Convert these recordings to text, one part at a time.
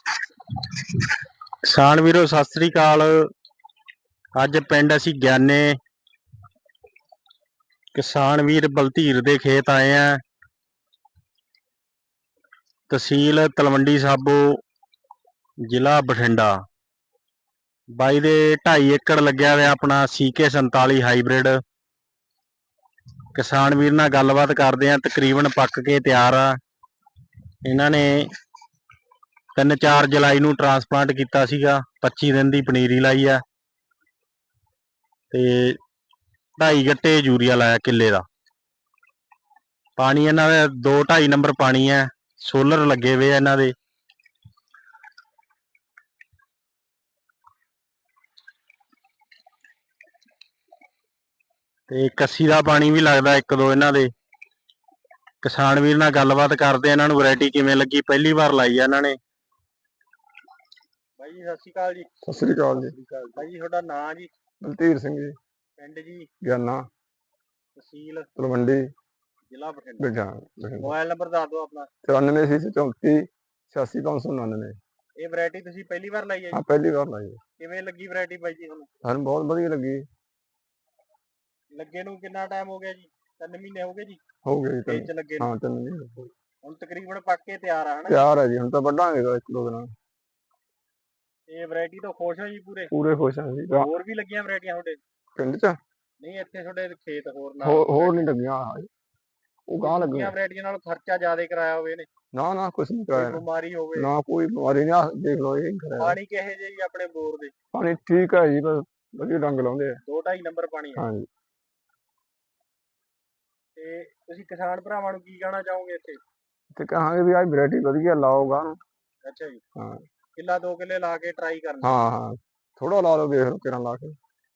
ਕਿਸਾਨ ਵੀਰੋ ਸਤਿ ਸ੍ਰੀ ਅਕਾਲ। ਅੱਜ ਪਿੰਡ ਅਸੀਂ ਗਿਆਨੇ ਕਿਸਾਨ ਵੀਰ ਬਲਧੀਰ ਦੇ ਖੇਤ ਆਏ ਆ। ਤਹਿਸੀਲ ਤਲਵੰਡੀ ਸਾਬੋ, ਜ਼ਿਲ੍ਹਾ ਬਠਿੰਡਾ। ਬਾਈ ਦੇ 2.5 ਏਕੜ ਲੱਗਿਆ ਹੋਇਆ ਆਪਣਾ CK 47 ਹਾਈਬ੍ਰਿਡ। ਕਿਸਾਨ ਵੀਰ ਨਾਲ ਗੱਲਬਾਤ ਕਰਦੇ ਆ। ਤਕਰੀਬਨ ਪੱਕ ਕੇ ਤਿਆਰ ਆ। ਇਹਨਾਂ ਨੇ 3-4 ਜੁਲਾਈ ਨੂੰ ਟਰਾਂਸਪਲਾਂਟ ਕੀਤਾ ਸੀਗਾ। 25 ਦਿਨ ਦੀ ਪਨੀਰੀ ਲਾਈ ਆ ਤੇ 2.5 ਗੱਟੇ ਯੂਰੀਆ ਲਾਇਆ ਕਿੱਲੇ ਦਾ। ਪਾਣੀ ਇਹਨਾਂ ਦਾ 2-2.5 ਨੰਬਰ ਪਾਣੀ ਹੈ। ਸੋਲਰ ਲੱਗੇ ਹੋਏ ਆ ਇਹਨਾਂ ਦੇ। ਤੇ ਕੱਸੀ ਦਾ ਪਾਣੀ ਵੀ ਲੱਗਦਾ 1-2 ਇਹਨਾਂ ਦੇ। ਕਿਸਾਨ ਵੀਰ ਨਾਲ ਗੱਲਬਾਤ ਕਰਦੇ ਆ। ਇਹਨਾਂ ਨੂੰ ਵੈਰਾਈਟੀ ਕਿਵੇਂ ਲੱਗੀ, ਪਹਿਲੀ ਵਾਰ ਲਾਈ ਆ ਇਹਨਾਂ ਨੇ। ਬਾਈ ਜੀ ਸਤਿ ਸ਼੍ਰੀ ਅਕਾਲ ਜੀ। ਸਤਿ ਸ੍ਰੀ ਅਕਾਲ ਜੀ। ਬਾਈ ਜੀ ਤੁਹਾਡਾ ਨਾਂ ਜੀ? ਬਲਧੀਰ ਸਿੰਘ ਜੀ। ਪਿੰਡ ਜੀ? ਗਿਆਨਾ, ਤਹਿਸੀਲ ਤਲਵੰਡੀ, ਜ਼ਿਲ੍ਹਾ ਬਠਿੰਡਾ। ਮੋਬਾਈਲ ਨੰਬਰ ਦੱਸ ਦਿਓ ਆਪਣਾ। 9434 86599। ਇਹ ਵੈਰਾਈਟੀ ਤੁਸੀਂ ਪਹਿਲੀ ਵਾਰ ਲਾਈ ਹੈ ਜੀ? ਹਾਂ, ਪਹਿਲੀ ਵਾਰ ਲਾਈ ਹੈ। ਕਿਵੇਂ ਲੱਗੀ ਵੈਰਾਈਟੀ ਬਾਈ ਜੀ ਤੁਹਾਨੂੰ? ਸਾਨੂੰ ਬਹੁਤ ਵਧੀਆ ਲੱਗੀ। ਲੱਗੇ ਨੂੰ ਕਿੰਨਾ ਟਾਈਮ ਹੋ ਗਿਆ ਜੀ? 3 ਮਹੀਨੇ ਹੋ ਗਏ ਜੀ? ਹੋ ਗਏ ਜੀ ਖੇਤ 'ਚ ਲੱਗੇ ਨੂੰ? ਹਾਂ, 3 ਮਹੀਨੇ ਹੁਣ ਤਕਰੀਬਨ ਪੱਕ ਕੇ ਤਿਆਰ ਆ ਹਨਾ? ਤਿਆਰ ਹੈ ਜੀ। ਹੁਣ ਤਾਂ ਵੱਢਾਂਗੇ 1-2 ਦਿਨਾਂ। ਇਹ ਵੈਰਾਈਟੀ ਤੋਂ ਖੁਸ਼ ਹੋ ਜੀ? ਪੂਰੇ ਖੁਸ਼ ਹਾਂ ਜੀ। ਹੋਰ ਵੀ ਲੱਗੀਆਂ ਵੈਰਾਈਟੀਆਂ ਤੁਹਾਡੇ ਪਿੰਡ 'ਚ? ਨਹੀਂ, ਇੱਥੇ ਤੁਹਾਡੇ ਖੇਤ ਹੋਰ ਹੋਰ ਨਹੀਂ ਲੱਗੀਆਂ। ਉਹ ਗਾਂ ਲੱਗੀਆਂ ਵੈਰਾਈਟੀਆਂ ਨਾਲ ਖਰਚਾ ਜ਼ਿਆਦਾ ਕਰਾਇਆ ਹੋਵੇ ਨੇ? ਨਾ ਕੁਛ ਨਹੀਂ ਕਰਾਇਆ। ਬਿਮਾਰੀ ਹੋਵੇ ਨਾ, ਕੋਈ ਬਿਮਾਰੀ ਨਹੀਂ। ਦੇਖ ਲਓ ਇਹ ਕਰਾਇਆ। ਪਾਣੀ ਕਿਹੋ ਜਿਹਾ ਜੀ ਆਪਣੇ ਬੋਰ ਦੇ? ਪਾਣੀ ਠੀਕ ਹੈ ਜੀ, ਬਸ ਵਧੀਆ ਡੰਗ ਲਾਉਂਦੇ ਆ। 2-2.5 ਨੰਬਰ ਪਾਣੀ ਹੈ। ਹਾਂਜੀ। ਤੇ ਤੁਸੀਂ ਕਿਸਾਨ ਭਰਾਵਾਂ ਨੂੰ ਕੀ ਕਹਿਣਾ ਚਾਹੋਗੇ ਇੱਥੇ? ਤੇ ਕਹਾਂਗੇ ਵੀ ਆਹ ਵੈਰਾਈਟੀ ਵਧੀਆ ਲਾਓ ਗਾਂ ਨੂੰ। ਅੱਛਾ ਜੀ। ਹਾਂ, ਕਿੱਲਾ 2 ਕਿੱਲੇ ਲਾ ਕੇ ਟਰਾਈ ਕਰਨਾ। ਹਾਂ ਥੋੜਾ ਲਾ ਲਓ, ਦੇਖ ਲਓ ਕਿਰਾਂ ਲਾ ਕੇ।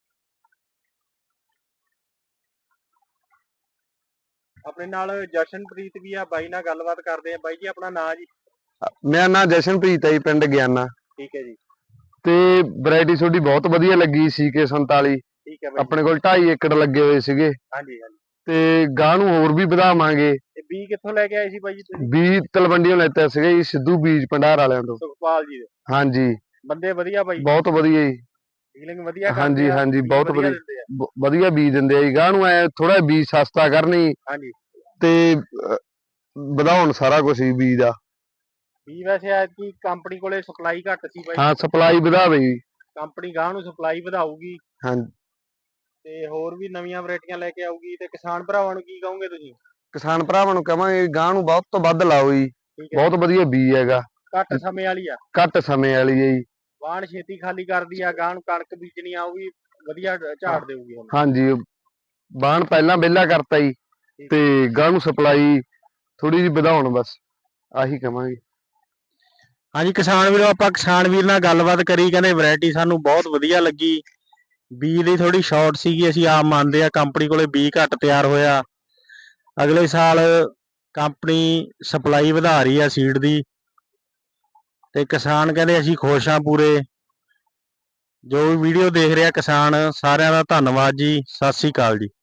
ਆਪਣੇ ਨਾਲ ਜਸ਼ਨਪ੍ਰੀਤ ਵੀ ਆ, ਬਾਈ ਨਾਲ ਗੱਲਬਾਤ ਕਰਦੇ ਆ। ਬਾਈ ਜੀ ਆਪਣਾ ਨਾਂ ਜੀ? ਮੇਰਾ ਨਾਂ ਜਸ਼ਨਪ੍ਰੀਤ ਹੈ ਜੀ, ਪਿੰਡ ਗਿਆਨਾ। ਠੀਕ ਹੈ ਜੀ। ਤੇ ਵੈਰਾਈਟੀ ਤੁਹਾਡੀ ਬਹੁਤ ਵਧੀਆ ਲੱਗੀ CK 47। ਠੀਕ ਹੈ ਬਾਈ। ਆਪਣੇ ਕੋਲ 2.5 ਏਕੜ ਲੱਗੇ ਹੋਏ ਸੀਗੇ। ਹਾਂਜੀ। ਤੇ ਗਾਂ ਨੂੰ ਹੋਰ ਵੀ ਵਧਾਵਾਂਗੇ। ਇਹ ਬੀਜ ਕਿੱਥੋਂ ਲੈ ਕੇ ਆਏ ਸੀ ਬਾਈ ਜੀ ਤੁਸੀਂ? ਬੀਜ ਤਲਵੰਡੀਓਂ ਲੈਤਾ ਸੀਗਾ ਜੀ, ਸਿੱਧੂ ਬੀਜ ਭੰਡਾਰ ਵਾਲਿਆਂ ਤੋਂ। ਸੁਖਪਾਲ ਜੀ ਦੇ? ਹਾਂਜੀ। ਬੰਦੇ ਵਧੀਆ ਬਾਈ? ਬਹੁਤ ਵਧੀਆ ਜੀ। ਡੀਲਿੰਗ ਵਧੀਆ ਕਰਦੇ ਆ? ਹਾਂਜੀ ਬਹੁਤ ਵਧੀਆ ਬੀਜ ਦਿੰਦੇ ਆ ਜੀ। ਗਾਂ ਨੂੰ ਐ ਥੋੜਾ ਬੀਜ ਸਸਤਾ ਕਰਨੀ। ਹਾਂਜੀ। ਤੇ ਵਧਾਉਣ ਸਾਰਾ ਕੁਝ ਹੀ ਬੀਜ ਦਾ। ਬੀਜ ਵੈਸੇ ਐਤਕੀ ਕੰਪਨੀ ਕੋਲੇ ਸਪਲਾਈ ਘੱਟ ਸੀ ਬਾਈ? ਹਾਂ, ਸਪਲਾਈ ਵਧਾਵੇ ਜੀ। ਕੰਪਨੀ ਗਾਂ ਨੂੰ ਸਪਲਾਈ ਵਧਾਊਗੀ। ਹਾਂਜੀ। ਤੇ ਹੋਰ ਵੀ ਨਵੀਆਂ ਵੈਰਾਈਟੀਆਂ ਲੈ ਕੇ ਆਊਗੀ। ਤੇ ਕਿਸਾਨ ਭਰਾਵਾਂ ਨੂੰ ਕੀ ਕਹੋਗੇ ਤੁਸੀਂ? ਕਿਸਾਨ ਭਰਾਵਾਂ ਨੂੰ ਕਹਾਂਗੇ ਗਾਂ ਨੂੰ ਵੱਧ ਤੋਂ ਵੱਧ ਲਾਓ ਜੀ। ਬਹੁਤ ਵਧੀਆ ਬੀਜ ਹੈਗਾ। ਘੱਟ ਸਮੇਂ ਵਾਲੀ ਆ? ਘੱਟ ਸਮੇਂ ਵਾਲੀ ਹੈ ਜੀ। ਵਾਹਣ ਛੇਤੀ ਖਾਲੀ ਕਰਦੀ ਆ। ਗਾਂ ਨੂੰ ਕਣਕ ਬੀਜਣੀ ਆ, ਉਹ ਵੀ ਵਧੀਆ ਝਾੜ ਦੇਊਗੀ। ਹਾਂਜੀ, ਵਾਹਣ ਪਹਿਲਾਂ ਵਿਹਲਾ ਕਰਤਾ ਜੀ। ਤੇ ਗਾਂ ਨੂੰ ਸਪਲਾਈ ਥੋੜੀ ਜਿਹੀ ਵਧਾਉਣ, ਬਸ ਆਹੀ ਕਵਾਂਗੇ। ਹਾਂਜੀ ਕਿਸਾਨ ਵੀਰੋ, ਆਪਾਂ ਕਿਸਾਨ ਵੀਰ ਨਾਲ ਗੱਲਬਾਤ ਕਰੀ। ਕਹਿੰਦੇ ਵੈਰਾਈਟੀ ਸਾਨੂੰ ਬਹੁਤ ਵਧੀਆ ਲੱਗੀ। ਬੀਜ ਦੀ ਥੋੜੀ ਸ਼ਾਰਟ ਸੀਗੀ। ਅਸੀਂ ਆਪ ਮੰਨਦੇ ਆ, ਕੰਪਨੀ ਕੋਲੇ ਬੀਜ ਘੱਟ ਤਿਆਰ ਹੋਇਆ। ਅਗਲੇ ਸਾਲ ਕੰਪਨੀ ਸਪਲਾਈ ਵਧਾ ਰਹੀ ਆ ਸੀਡ ਦੀ। ਤੇ ਕਿਸਾਨ ਕਹਿੰਦੇ ਅਸੀਂ ਖੁਸ਼ ਹਾਂ ਪੂਰੇ। ਜੋ ਵੀ ਵੀਡੀਓ ਦੇਖ ਰਿਹਾ ਕਿਸਾਨ, ਸਾਰਿਆਂ ਦਾ ਧੰਨਵਾਦ ਜੀ। ਸਤਿ ਸ੍ਰੀ ਅਕਾਲ ਜੀ।